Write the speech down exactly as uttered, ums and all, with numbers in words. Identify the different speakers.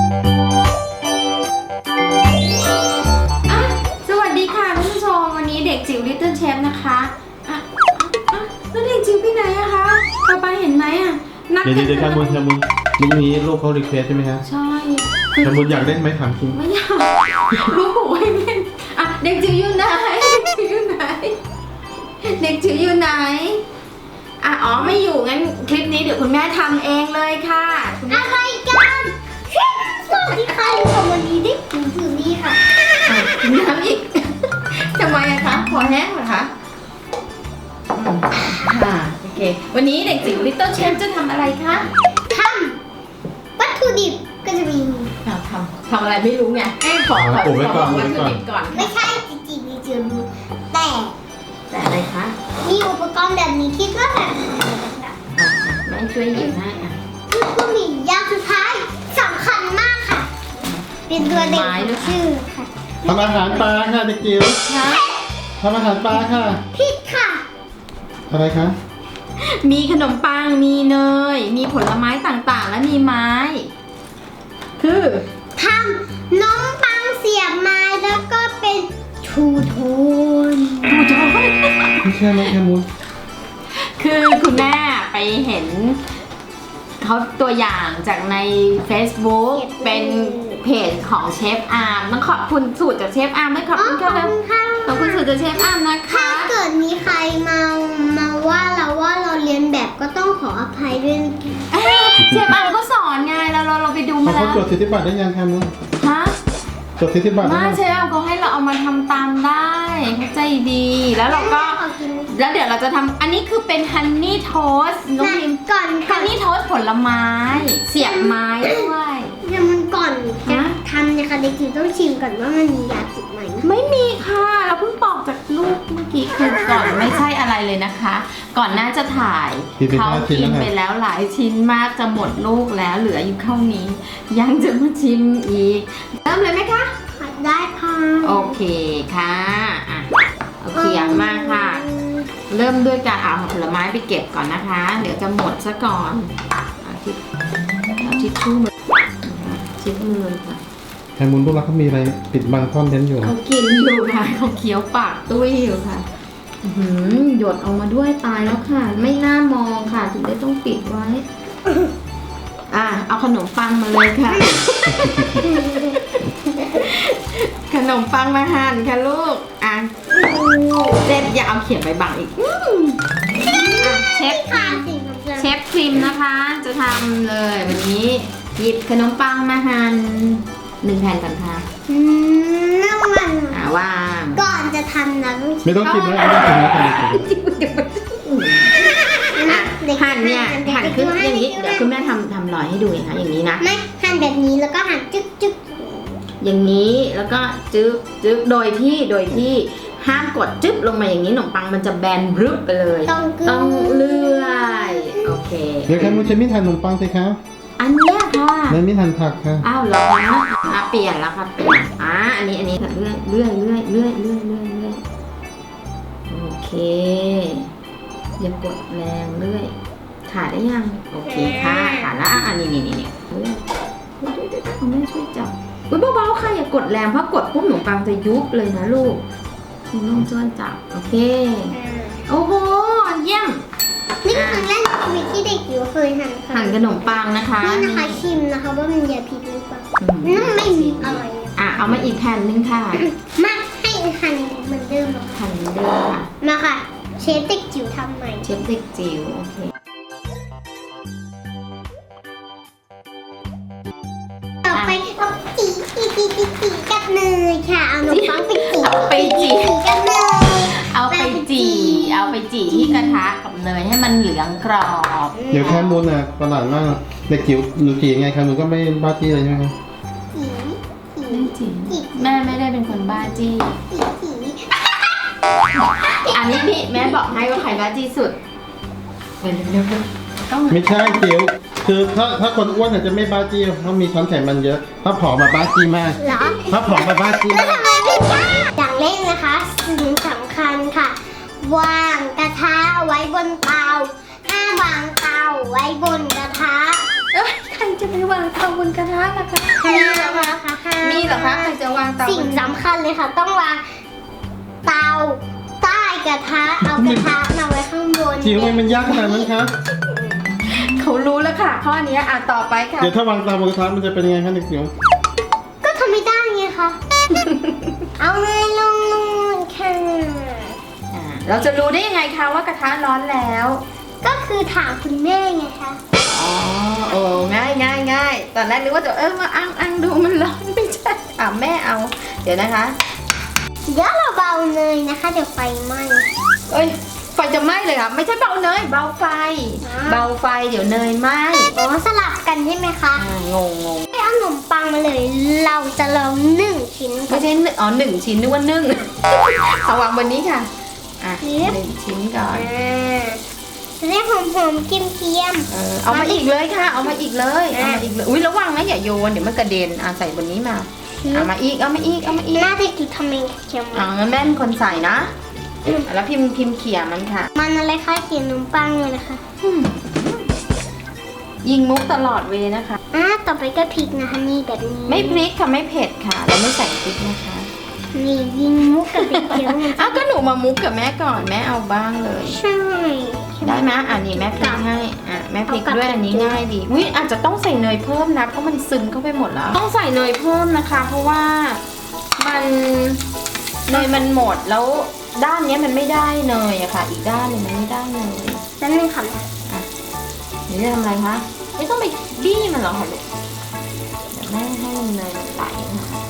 Speaker 1: สวัสดีค่ะคุณผู้ชมวันนี้เด็กจิ๋ว Little Chef นะคะอ่ะอ่ะแล้วเด็กจิ๋วไปไหนอะคะป๊าป๊าเห็นไหมอะนัด
Speaker 2: เดี๋ยว
Speaker 1: กัน
Speaker 2: เดี๋ยวแคมูลแคมูลลูกนี้ลูกเขารีเควสใช่ไหมฮะ
Speaker 1: ใช่
Speaker 2: แคมูลอยากเล่นไหมถามจริง
Speaker 1: ไม่อยากลูกบอกให้เล่นอ่ะเด็กจิ๋วอยู่ไหนเด็กจิ๋วอยู่ไหนเด็กจิ๋วอยู่ไหนอ่ะอ๋อไม่อยู่งั้นคลิปนี้เดี๋ยวคุณแม่ทำเองเลยค่ะคุณแม่
Speaker 3: อะไรกันสวัสดีค่ะอยู่กับวันนี้เด็กจิ๋วถือนี่ค่ะ
Speaker 1: อ่ะน้ำอีก ทำไมอะคะคอแห้งเหรอคะอืมค่ะโอเควันนี้เด็กจิ๋ว Little Chef จะทำอะไรคะ
Speaker 3: ทำวัตถุดิบก็จะมี
Speaker 1: อ่ะทำทำอะไรไม่รู้ไงให้ขอขอ
Speaker 2: อุบไว้
Speaker 1: ข
Speaker 2: ก่
Speaker 1: อ
Speaker 2: อน
Speaker 1: วัต
Speaker 2: อุบไว้
Speaker 1: ถุ
Speaker 2: ก่อน
Speaker 1: ดิบก่อน
Speaker 3: ไม่ใช่จริงๆมีเจอรู้แต่
Speaker 1: แต่อะไรคะ
Speaker 3: มีอุปกรณ์แบบนี้คิดว่าแบบ
Speaker 1: อ่ะแม่ช่วยหยิบให้อ่ะ
Speaker 3: นี่ก็มีอย่างสุดท้ายสำคัญมากค่ะ เป็นตัวเด็กของชื่อค่ะ
Speaker 2: ทำอาหารปลาค่ะเด็กจิ๋ว
Speaker 1: คะ
Speaker 2: ทำอาหารปลาค่ะ
Speaker 3: ผิดค่ะ
Speaker 2: อะไรคะ
Speaker 1: มีขนมปังมีเนยมีผลไม้ต่างๆ และมีไม้ คือ
Speaker 3: ทำน้องปังเสียบไม้แล้วก็เป็นทูโทน
Speaker 1: ดูจอ
Speaker 2: ไม่ใช่ไหมแคมูล
Speaker 1: คือคุณแม่ไปเห็นเขาตัวอย่างจากใน Facebook เป็นเพจของเชฟอาร์มต้องขอบคุณสูตรจากเชฟอาร์มด้วยขอบ
Speaker 3: อ๋อ
Speaker 1: คุณ
Speaker 3: ขอบ
Speaker 1: ค่ะ
Speaker 3: คุณค่ะ
Speaker 1: ขอบคุณสูตรจากเชฟอาร์มนะ
Speaker 3: ถ้า
Speaker 1: คะ
Speaker 3: เกิดมีใครมามาว่าเราว่าเราเรียนแบบก็ต้องขออภัยด้วยนะคะ
Speaker 1: เชฟอาร์มก็สอนไงเราเราเราไปดู
Speaker 2: เขา
Speaker 1: มา
Speaker 2: เขา
Speaker 1: แล้ว
Speaker 2: จดสิทธิบัตรได้ยังแคมูล
Speaker 1: ฮะ
Speaker 2: จดสิทธิบัตรได้
Speaker 1: ไม่
Speaker 2: ยัง
Speaker 1: เชฟอาร์มเขาให้เราเอามาทำตามได้เข้าใจดีแล้วเราก็
Speaker 3: ขอกิน
Speaker 1: แล้วเดี๋ยวเราจะทำอันนี้คือเป็นฮันนี่โทสต์น้องพิม
Speaker 3: ก่อนก่
Speaker 1: ฮั
Speaker 3: อน
Speaker 1: นนี่โทสต์ผลไม้ เสียบไม้ด้วย
Speaker 3: เดี๋ยวมันก่อนจะ
Speaker 1: ฮะ
Speaker 3: ทำนะคะเด็กจิ๋วต้องชิมก่อนว่ามันมียาติดไหม
Speaker 1: ไม่มีค่ะ เราเพิ่งปอกจากลูกเมื่อกี้คือก่อนไม่ใช่อะไรเลยนะคะ ก่อนหน้าจะถ่าย
Speaker 2: กินไป
Speaker 1: เขา
Speaker 2: ห้าชิ้น
Speaker 1: กิน
Speaker 2: แล้ว
Speaker 1: ไป
Speaker 2: ค่ะ
Speaker 1: แล้วหลายชิ้นมากจะหมดลูกแล้วเหลืออยู่เท่านี้ ยังจะมาชิมอีกเริ่มเลยไหมคะ
Speaker 3: ได้ค่ะ
Speaker 1: โอเคค่ะอ่ะเอาเขียงมาค่ะ เริ่มด้วยการเอาผลไม้ไปเก็บก่อนนะคะ เดี๋ยวจะหมดซะก่อนเอาทิชเอาทิชชู่มาชิดมือค่ะ
Speaker 2: แคมูลพวกเราเขามีอะไรปิดบังซ่อนเร้นอยู่
Speaker 1: เขากินอยู่ค่ะเขาเคี้ยวปากตุ้ยอยู่ค่ะอื้อหือหยดออกมาด้วยตายแล้วค่ะ ไม่น่ามองค่ะถึงได้ต้องปิดไว้ อ่ะเอาขนมปังมาเลยค่ะ ขนมปังมาหั่นค่ะลูกอ่ะเจ็ดอย่าเอาเขียนใบบังอีกอืมอ่ะเชฟ
Speaker 3: ค่ะสิ่งของเรา
Speaker 1: เชฟครีมนะคะ จะทำเลยวันนี้หยิบขนมปังมาหั่นหนึ่งแผ่นก่อนค่ะ
Speaker 3: อืมน้ำมัน
Speaker 1: อ่าวาง
Speaker 3: ก่อนจะทำนะต้อง
Speaker 2: ไม่ต้องกินนะไม่ต้องกินนะ
Speaker 1: อ่ะ
Speaker 3: เด็ก
Speaker 1: หั่นเนี่ยหั่นขึ้นอย่างนี้ เดี๋ยวคุณ
Speaker 3: แม่
Speaker 1: แม่ทำทำรอยให้ดูนะคะอย่างนี้นะ
Speaker 3: ไม่หั่นแบบนี้แล้วก็หั่นจึ๊กจึ๊ก
Speaker 1: อย่างนี้แล้วก็จึ๊บจึ๊บโดยที่โดยที่ห้ามกดจึ๊บลงมาอย่างนี้ขนมปังมันจะแบนรึบไปเลย
Speaker 3: ต้องกึ้
Speaker 1: ต้องเลื่อยโอเค
Speaker 2: เดี๋ยวแคมูลใช้มีดหั่นขนมปังสิคะ
Speaker 1: อันเนี้ยค่ะ
Speaker 2: แล้วมีดหั่นผักค่ะ
Speaker 1: อ้าวเหรอคะอ่ะเปลี่ยนแล้วค่ะเปลี่ยนอ่ะอันนี้อันนี้ค่ะเลื่อยเลื่อยเลื่อยเลื่อยเลื่อยเลื่อยเลื่อยโอเคอย่ากดแรงเลื่อยขาดได้ยังโอเคค่ะขาดแล้วอ่ะอันนี้นี่นี่นี่เลื่อยเดี๋ยวเดี๋ยวเดี๋ยวแม่ช่วยจับอุ้ยเบาๆค่ะอย่ากดแรงเพราะกดปุ๊บขนมปังจะยุบเลยนะลูกคุณต้องช่วยจับโอเคโอ้โหเยี่ยม
Speaker 3: นี่คือครั้งแรกในชีวิตที่เด็กอยู่เคยหั่นค่ะ
Speaker 1: หั่นขนมปังนะคะ
Speaker 3: นี่นะคะชิมนะคะว่ามันยาพิษหรือเปล่า
Speaker 1: อืม
Speaker 3: น้ำไม่มีอร่อย
Speaker 1: อ่ะเอามาอีกแผ่นนึงค่ะ
Speaker 3: มาให้หั่นเหมือนเดิมเหรอคะ
Speaker 1: หั่นเดิมค่ะ
Speaker 3: มาค่ะ เชฟเด็กจิ๋วทำใหม่
Speaker 1: เชฟเด็กจิ๋วโอเค
Speaker 3: ต่อไปเอาจีจีจีจีจีกับเนยค่ะเอานมปังไปจี
Speaker 1: เอาไปจี
Speaker 3: กับเนย
Speaker 1: เอาไปจี่เอาไปจี่ที่กระทะกับเนยให้มันเหลืองกรอบ
Speaker 2: เดี๋ยวแคมูลน่ะประหลาดมากเด็กจิ๋วหนูจีไงแคมูลก็ไม่บ้าจี้เลยใช่ไหมคะ
Speaker 3: จีจี
Speaker 1: ไม่จริงแม่ไม่ได้เป็นคนบ้าจี้
Speaker 3: จีจี
Speaker 1: อันนี้นี่แม่บอกให้ว่าใครบ้าจี้สุดเร็วเร็วเร็วต้อง
Speaker 2: ไม่ใช่จิ๋วคือถ้าถ้าคนอ้วนอาจจะไม่บ้าจี้เขามีช้อนไขมันเยอะ ถ้าผอมมาบ้าจี้มาก
Speaker 3: เหรอ
Speaker 2: ถ้าผอมมาบ้าจี้
Speaker 3: แล้ว
Speaker 2: มาก
Speaker 3: ทำไมไม่ใช่อย่างแรกนะคะสิ่งสำคัญค่ะ วางกระทะไว้บนเตาห้ามวางเตาไว้บนกระทะ
Speaker 1: เอ้ยใครจะไปวางเตาบนกระทะล่ะคะมีเหรอคะ มีเหรอคะใครจะวางเตาบน
Speaker 3: สิ่งสำคัญเลยค่ะ ต้องวางเตาใต้กระทะเอากระทะมาไว้ข้างบน
Speaker 2: จิ๋วมันยากขนาดนั้นคะ
Speaker 1: เขารู้แล้วค่ะข้อนี้อ่ะต่อไปค่ะ
Speaker 2: เดี๋ยวถ้าวางเตาบนกระทะมันจะเป็นยังไงคะเด็กจิ๋ว
Speaker 3: ก็ทำไม่ได้ไงคะ เอาเลยลงลงค่ะ
Speaker 1: อ่าเราจะรู้ได้ยังไงคะว่ากระทะร้อนแล้ว
Speaker 3: ก็คือถามคุณแม่ไงคะ
Speaker 1: อ๋อโอ้ง่ายง่ายง่ายตอนแรกนึกว่าจะเออมาอังอังดูมันร้อนไม่ใช่ถามแม่เอา เดี๋ยวนะคะ
Speaker 3: เดี๋ยวเราเบาเลยนะคะ เดี๋ยวไฟไหม้
Speaker 1: เอ้ยไฟจะไหม้เลยค่ะไม่ใช่เบาเนยเบาไฟ
Speaker 3: อ่า
Speaker 1: เบาไฟเดี๋ยวเนยไหม้
Speaker 3: อ๋อสลับกันใช่ไหมคะ
Speaker 1: อ่างงงง
Speaker 3: ให้เอาขนมปังมาเลย เราจะลองหนึ่งชิ้น
Speaker 1: ไม่ใช่หนึ่งอ๋อหนึ่งชิ้นนึกว่านึ่ง เอาวางบนนี้ค่ะอ่ะ
Speaker 3: นี่
Speaker 1: หนึ่งชิ้นก่อน
Speaker 3: อ่าจะได้หอมๆเกียม
Speaker 1: เออเอามาอีกเลยค่ะ เอามาอีกเลยเอามาอีกเลยอุ้ยระวังนะอย่าโยนเดี๋ยวมันกระเด็นอ่ะใส่บนนี้มาเอามาอีกเอามาอีกเอามาอีก
Speaker 3: ๆน่าจะกินทำเองเกียม
Speaker 1: อ่างั้นแม่เป็นคนใส่นะแล้วพิมพ์พิมพ์เขี่ยมันค่ะ
Speaker 3: มันอะไรคะเขียนขนมปังเลยนะคะ
Speaker 1: ยิงมุกตลอดเวย์นะคะ
Speaker 3: อ่าต่อไปก็พริกนะคะนี่แบบนี้
Speaker 1: ไม่พริกค่ะไม่เผ็ดค่ะ เราไม่ใส่พริกนะคะ
Speaker 3: นี่ยิงมุกกับพริกเขียวมัน
Speaker 1: อ้าวก็หนูมามุกกับแม่ก่อนแม่เอาบ้างเลย
Speaker 3: ใช่
Speaker 1: ได้ไหมอ่ะนี่แม่พริกให้อ่ะแม่พริกด้วยอันนี้ง่ายดีอุ้ยอาจจะต้องใส่เนยเพิ่มนะเพราะมันซึมเข้าไปหมดแล้ว ต้องใส่เนยเพิ่มนะคะ เพราะว่ามันเนยมันหมดแล้วด้านเนี้ยมันไม่ได้เนยอะค่ะ อีกด้านหนึงมันไม่ได้เนย
Speaker 3: แล้วนึงค่ะ
Speaker 1: หนูจะทำอะไรคะไม่ต้องไปบี้มันหรอกค่ะลูกเดี๋ยวแม่ให้เนยมันไหลค่ะ